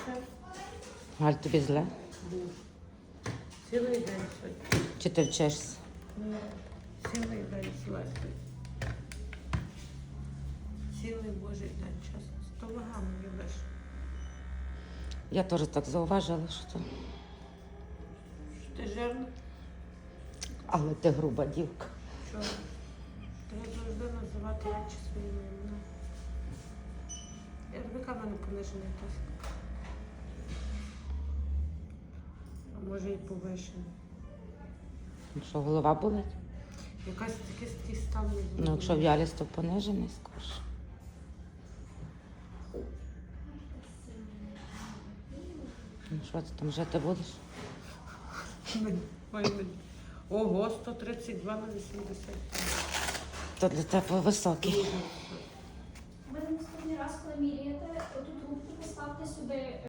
Галь, тобі зле? Був. Цілий день сьогодні. Чи ти вчишся? Ні, цілий день слезли. Цілий божий день, чесно. 100 вагами любиш. Я теж так зауважила, що то. Ти жирна? Але ти груба дівка. Чого? Треба завжди називати речі своїми іменами. Я тобі кажу, в мене понижений тиск. А може і повищений. Ну що, голова болить? Якась такий стан не Ну, якщо в'ялість, то понижений скорше. Ну що ти там жити будеш? Ого, 132 на 80. То для тебе високий. Ви наступний раз, коли міряєте, оту трубку поставте сюди